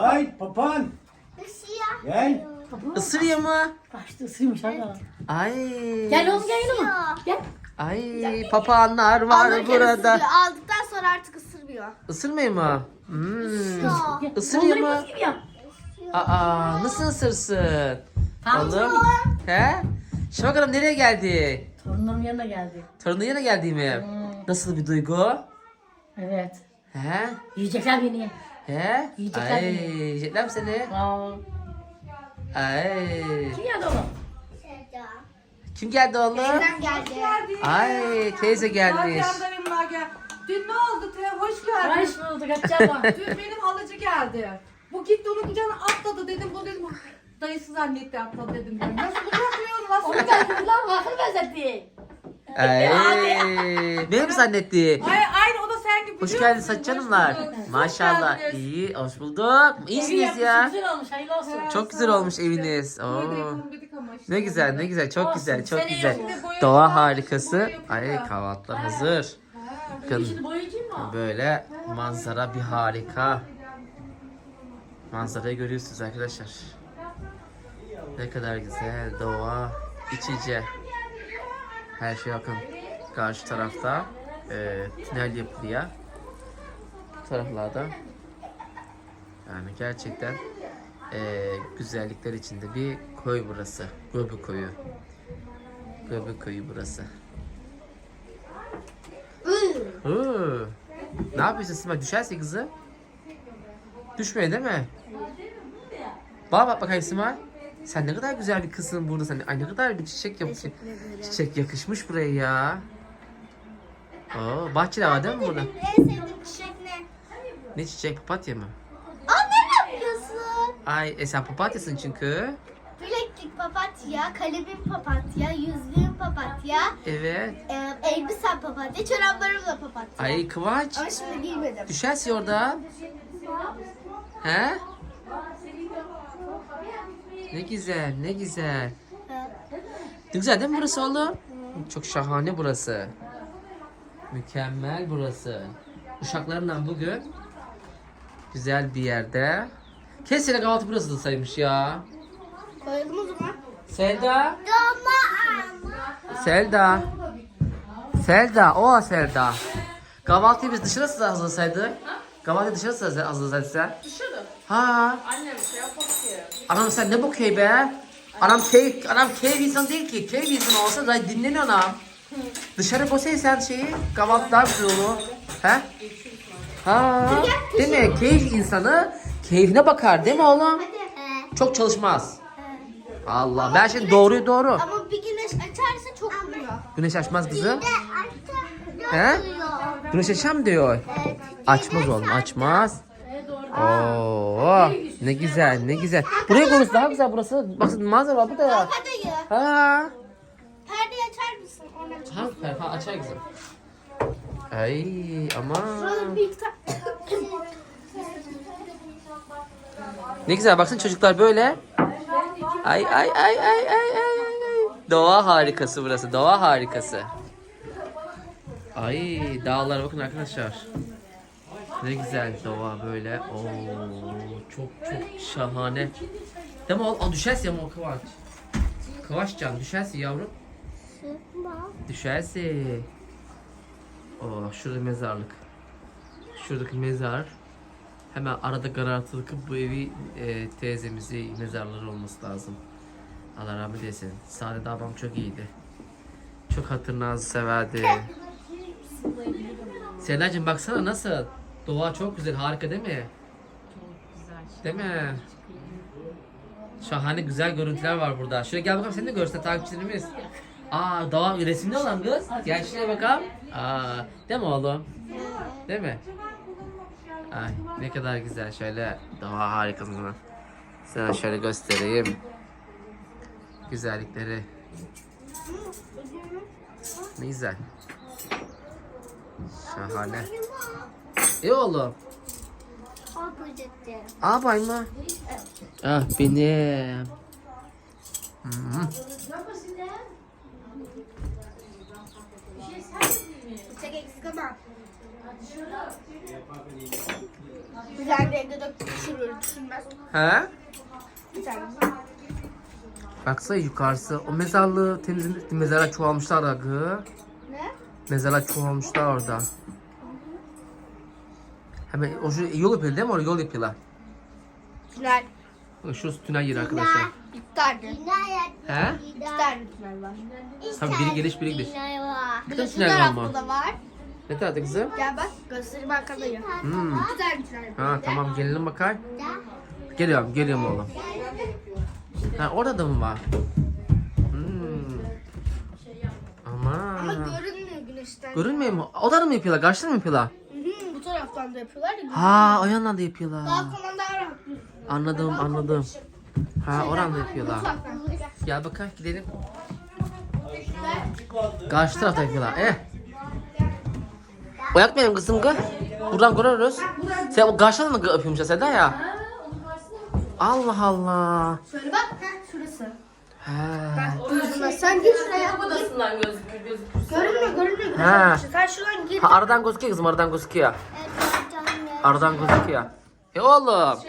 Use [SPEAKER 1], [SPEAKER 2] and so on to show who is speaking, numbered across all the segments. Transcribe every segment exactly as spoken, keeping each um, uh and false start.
[SPEAKER 1] Ay papan. Gel.
[SPEAKER 2] Isırıyor mu?
[SPEAKER 3] Kaçtı ısırmış hala.
[SPEAKER 2] Ay.
[SPEAKER 3] Gel oğlum gel oğlum. Gel.
[SPEAKER 2] Ay papağanlar var
[SPEAKER 4] Alırken
[SPEAKER 2] burada.
[SPEAKER 4] ısırıyor. Aldıktan sonra artık ısırmıyor.
[SPEAKER 2] Isırmıyor mu? Hmm.
[SPEAKER 3] Gel.
[SPEAKER 2] Isırıyor mu?
[SPEAKER 3] Dondurma gibi yap.
[SPEAKER 2] Aa nasıl ısırsın?
[SPEAKER 3] Tamam.
[SPEAKER 2] Oğlum. He? Şimdi bakalım nereye geldi?
[SPEAKER 3] Torunların yanına geldi.
[SPEAKER 2] Torunun yanına geldi mi? Nasıl bir duygu?
[SPEAKER 3] Evet.
[SPEAKER 2] He?
[SPEAKER 3] Yiyecekler beni.
[SPEAKER 2] He?
[SPEAKER 3] Yiyecekler
[SPEAKER 2] Ay,
[SPEAKER 3] beni.
[SPEAKER 2] yiyecekler mi seni?
[SPEAKER 3] Aa.
[SPEAKER 2] Ay.
[SPEAKER 3] Kim geldi oğlum?
[SPEAKER 2] Kim geldi oğlum?
[SPEAKER 4] Teyzem geldi.
[SPEAKER 2] Ay teyze gelmiş.
[SPEAKER 5] Canlarımlar gel. Dün ne oldu te? Hoş geldin.
[SPEAKER 3] Hoş bulduk Hatice.
[SPEAKER 5] Dün benim halıcı geldi. Bu gitti onun kucağına atladı dedim. Bu dedim dayısı zannetti atladı dedim ben. Nasıl bırakmıyor? Nasıl
[SPEAKER 3] Onu geldi lan bakır benzetti.
[SPEAKER 2] Ay. Beni mi zannetti?
[SPEAKER 5] Ay, aynı o da sen gibi.
[SPEAKER 2] Hoş
[SPEAKER 5] biliyor
[SPEAKER 2] geldiniz
[SPEAKER 5] musun?
[SPEAKER 2] Hatice
[SPEAKER 5] Hoş
[SPEAKER 2] Hanımlar.
[SPEAKER 5] bulduk.
[SPEAKER 2] Maşallah.
[SPEAKER 5] Hoş geldiniz.
[SPEAKER 2] İyi, hoş bulduk. İyisiniz ya.
[SPEAKER 3] Güzel olmuş hayırlı olsun.
[SPEAKER 2] Çok güzel olmuş eviniz. Oo.
[SPEAKER 5] Böyle yapalım dedik ama işte.
[SPEAKER 2] Ne güzel, ne güzel. Çok
[SPEAKER 3] Olsun,
[SPEAKER 2] güzel, çok
[SPEAKER 3] seneye
[SPEAKER 2] güzel.
[SPEAKER 3] olur.
[SPEAKER 5] Boya
[SPEAKER 2] Doğa
[SPEAKER 5] yapıyorlar,
[SPEAKER 2] harikası.
[SPEAKER 5] boya yapıyorlar.
[SPEAKER 2] Ay kahvaltılar hazır. Bakın
[SPEAKER 3] Şimdi boyayıcı mı?
[SPEAKER 2] böyle manzara bir harika. Manzarayı görüyorsunuz arkadaşlar. Ne kadar güzel doğa, iç içe. Her şey bakın. Karşı tarafta e, tünel yapılıyor. Bu taraflarda yani gerçekten e, güzellikler içinde bir koy burası. Göbek koyu. Göbek koyu burası. Oo. Ne yapıyorsun Sima? Düşerse kızı. Düşmüyor değil mi? Bana bak bakayım Sima. Sen ne kadar güzel bir kızsın burada. Sen ay ne kadar bir çiçek yapmışsın. Çiçek yakışmış buraya ya. Oo, bahçeli hava değil mi burada?
[SPEAKER 4] Benim en sevdiğim çiçek ne?
[SPEAKER 2] Ne çiçek? Papatya mı?
[SPEAKER 4] Aa ne yapıyorsun?
[SPEAKER 2] Ay e sen papatyasın çünkü.
[SPEAKER 4] Bileklik papatya, kalemim papatya, yüzüğüm papatya,
[SPEAKER 2] Evet.
[SPEAKER 4] e, elbisem papatya, çoraplarım da papatya.
[SPEAKER 2] Ay Kıvanç.
[SPEAKER 4] Ama şimdi giymedim.
[SPEAKER 2] Düşersin orada. He? Ne güzel, ne güzel. Ne güzel değil mi burası oğlum? Çok şahane burası. Mükemmel burası. Uşaklarımla bugün güzel bir yerde. Kesin kahvaltı burası da saymış ya.
[SPEAKER 4] Koyalım o zaman.
[SPEAKER 2] Selda.
[SPEAKER 4] Doma
[SPEAKER 2] Selda. Selda. O Selda. Kahvaltıyı biz dışarı nasıl hazırlasaydık? Kahvaltıyı dışarı nasıl hazırlasaydık sen?
[SPEAKER 5] Dışarı.
[SPEAKER 2] Ha.
[SPEAKER 5] Annem şey yapmak ki.
[SPEAKER 2] Anam sen ne bakıyor be? Anam keyif, anam keyif insan değil ki. Keyif insan olsa da dinleniyor anam. Dışarı koysaydı sen şeyi, kahvaltı daha güzel olur. He? Ha, değil mi? Keyif insanı keyfine bakar değil mi oğlum?
[SPEAKER 4] Hadi.
[SPEAKER 2] Çok çalışmaz. Allah, ben şimdi doğruyu doğru.
[SPEAKER 4] Ama bir güneş açarsa çok vuruyor.
[SPEAKER 2] Güneş açmaz kızım.
[SPEAKER 4] Açtı.
[SPEAKER 2] He? Güneş açam diyor. Açmaz oğlum, açmaz. Oo, ne güzel, ne güzel. Buraya burası daha güzel burası. Bakın manzara var burada ya.
[SPEAKER 4] Hadi.
[SPEAKER 2] Ha.
[SPEAKER 4] Perdeyi açar mısın? Onu aç.
[SPEAKER 2] Ha, ha açar kızım. Ay aman.
[SPEAKER 4] Şurada bir ta-
[SPEAKER 2] Ne güzel baksana çocuklar böyle. Ay ay ay ay ay ay ay. Doğa harikası burası. Doğa harikası. Ay dağlara bakın arkadaşlar. Ne güzel doğa böyle. Oo çok çok şahane. Değil mi oğlum? Aa, düşersin ama o Kıvanç. Kıvançcan düşersin yavrum. Düşersin. Oh şurada mezarlık. Şuradaki mezar. Hemen arada karartılıp bu evi e, teyzemizi mezarları olması lazım. Allah rahmet eylesin. Saadet abam çok iyiydi. Çok hatırnazı severdi. Selena'cığım baksana nasıl? Doğa çok güzel, harika değil mi? Değil mi? Şahane güzel görüntüler var burada. Şöyle gel bakalım seni de görsün takipçilerimiz. Aa doğa resimli olan kız. Gel şuraya bakalım. Aa, değil mi oğlum? Değil mi? Ay ne kadar güzel şöyle doğa harikasını. Sana şöyle göstereyim. Güzellikleri. Ne güzel. Şahane. İyi oğlum. Aa bay mı? Ah benim. Hmm.
[SPEAKER 4] Çek eksik ama. Bir tane de evde döktüm düşürür düşünmez.
[SPEAKER 2] He?
[SPEAKER 4] Bir tane.
[SPEAKER 2] Baksana yukarısı. O mezarlığı temizledik. Mezara çoğalmışlar da gı.
[SPEAKER 4] Ne?
[SPEAKER 2] Mezara çoğalmışlar orada. Hemen o şu yol yapıyor değil mi? Orada yol yapıyorlar.
[SPEAKER 4] Tünel.
[SPEAKER 2] Bak şurası tünel yeri arkadaşlar.
[SPEAKER 4] İki tane.
[SPEAKER 2] He?
[SPEAKER 4] İki tane tünel var.
[SPEAKER 2] Tabii biri geliş biri gidiş.
[SPEAKER 4] Bir
[SPEAKER 2] Bir
[SPEAKER 4] de
[SPEAKER 2] de
[SPEAKER 4] şu
[SPEAKER 2] tünel var
[SPEAKER 4] tarafta
[SPEAKER 2] mı?
[SPEAKER 4] da var.
[SPEAKER 2] Ne tarafta kızım?
[SPEAKER 4] Gel bak göstereyim arkadayım.
[SPEAKER 2] Hmm.
[SPEAKER 4] İki tane tünel var.
[SPEAKER 2] Ha tamam gelelim bakar. Geliyorum geliyorum oğlum. Ha orada da mı var? Hmm.
[SPEAKER 4] Ama
[SPEAKER 2] Ama.
[SPEAKER 4] görünmüyor güneşten.
[SPEAKER 2] Görünmüyor mu? O da mı yapıyorlar? Karşıda mı yapıyorlar?
[SPEAKER 4] Hı hı, bu taraftan da yapıyorlar ya.
[SPEAKER 2] Ha o yandan da yapıyorlar.
[SPEAKER 4] Daha kolay daha rahat.
[SPEAKER 2] Anladım anladım. Ha oradan da yapıyorlar.
[SPEAKER 4] Uzaktan.
[SPEAKER 2] Gel bakalım gidelim. Karşı tarafta yapıyorlar. Eh. Oyak benim kızım kız. Buradan görürüz. Sen o karşıdan mı yapıyormuş Seda ya? Allah Allah.
[SPEAKER 4] Şöyle bak. Heh, şurası.
[SPEAKER 2] He.
[SPEAKER 4] Gözüme sen gir şuraya.
[SPEAKER 3] Odasından gözükür gözükür.
[SPEAKER 4] Görünmüyor görünmüyor.
[SPEAKER 2] Ha.
[SPEAKER 4] Sen şuradan gir.
[SPEAKER 2] Ha aradan gözüküyor kızım aradan gözüküyor. Aradan gözüküyor. E oğlum.
[SPEAKER 4] Anne,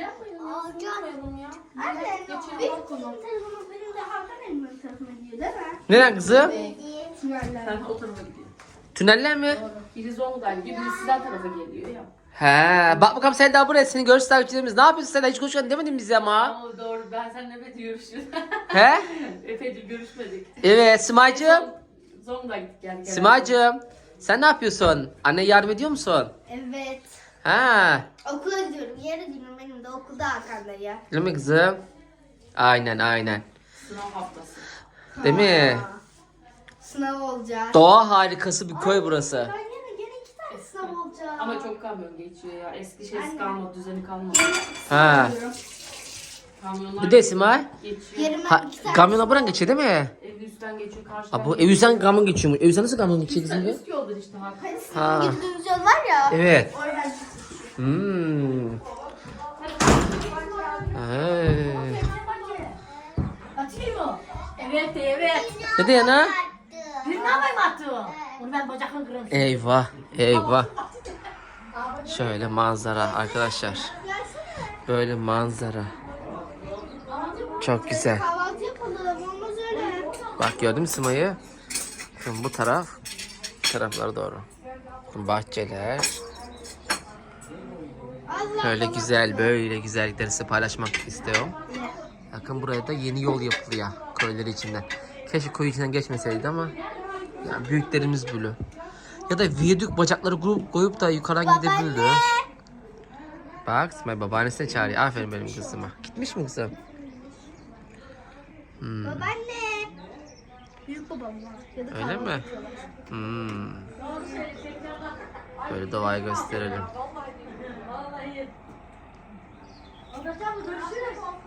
[SPEAKER 4] benim telefonu benim de Hakan Elman'ın tarafına gidiyor değil mi?
[SPEAKER 2] Neden kızım?
[SPEAKER 4] Tüneller.
[SPEAKER 3] Sen o tarafa gidiyor.
[SPEAKER 2] Tüneller mi?
[SPEAKER 3] Biri Zonguldak gibi, biri sizden tarafa geliyor ya.
[SPEAKER 2] He. Bak bakalım sen daha buraya seni görüş takipçilerimiz. Ne yapıyorsun sen? Hiç konuşmadın demedin bize ama.
[SPEAKER 3] Ama doğru, ben seninle epeyce görüştüm.
[SPEAKER 2] He?
[SPEAKER 3] Epeyce görüşmedik.
[SPEAKER 2] Evet Simay'cığım.
[SPEAKER 3] Zonguldak gittik yani.
[SPEAKER 2] Simay'cığım. Sen ne yapıyorsun? Anne yardım ediyor musun?
[SPEAKER 4] Evet.
[SPEAKER 2] Ha.
[SPEAKER 4] Okula gidiyorum. Yere gidiyorum. Benim de okulda Hakan'da ya.
[SPEAKER 2] Değil mi kızım? Aynen aynen.
[SPEAKER 3] Sınav haftası.
[SPEAKER 2] Değil mi?
[SPEAKER 4] Sınav olacak.
[SPEAKER 2] Doğa harikası bir köy burası.
[SPEAKER 4] Ben yine gene iki tane sınav olacak.
[SPEAKER 3] Ama çok kamyon geçiyor ya. Eski şeysi kalmadı, düzeni kalmadı.
[SPEAKER 2] Ha.
[SPEAKER 3] Kamyonlar
[SPEAKER 2] Bir de Simay.
[SPEAKER 3] geçiyor.
[SPEAKER 4] Yerime
[SPEAKER 2] Ha,
[SPEAKER 4] iki tane.
[SPEAKER 2] kamyona buradan geçiyor değil mi?
[SPEAKER 3] Ev üstten geçiyor, karşıdan
[SPEAKER 2] Ha, bu Evüzen kamyon geçiyor mu? Evüzen nasıl kamyon geçiyor
[SPEAKER 3] Üstten,
[SPEAKER 2] kızım?
[SPEAKER 3] üst yoldur işte Hakan.
[SPEAKER 2] Ha.
[SPEAKER 4] Girdiğimiz yol var ya.
[SPEAKER 2] Evet.
[SPEAKER 4] Oradan
[SPEAKER 2] Hmm. Hey.
[SPEAKER 3] Atayım mı? Evet, evet.
[SPEAKER 2] Ne diyor ana?
[SPEAKER 3] Bir ne yapayım attım? Onu ben bacakla kırarım.
[SPEAKER 2] Eyvah, eyvah. Şöyle manzara arkadaşlar. Böyle manzara. Çok güzel.
[SPEAKER 4] kahvaltı yapalım. Olmaz öyle.
[SPEAKER 2] Bak gördün mü Sima'yı? Şimdi bu taraf, bu taraflara doğru. Bahçeler.
[SPEAKER 4] Allah
[SPEAKER 2] Böyle güzel, böyle güzellikleri size paylaşmak istiyorum. Bakın buraya da yeni yol yapılıyor köyleri içinden. Keşke köy içinden geçmeseydi ama yani büyüklerimiz böyle. Ya da viyadük bacakları koyup, koyup da yukarıdan gidebiliriz. Bak İsmail babaannesine çağırıyor. Aferin benim kızıma. Gitmiş mi kızım? Hmm.
[SPEAKER 4] Babaanne. Büyük babam var. Ya da
[SPEAKER 2] Öyle mi? Hmm. Böyle doğayı gösterelim.
[SPEAKER 3] Görüşürüz.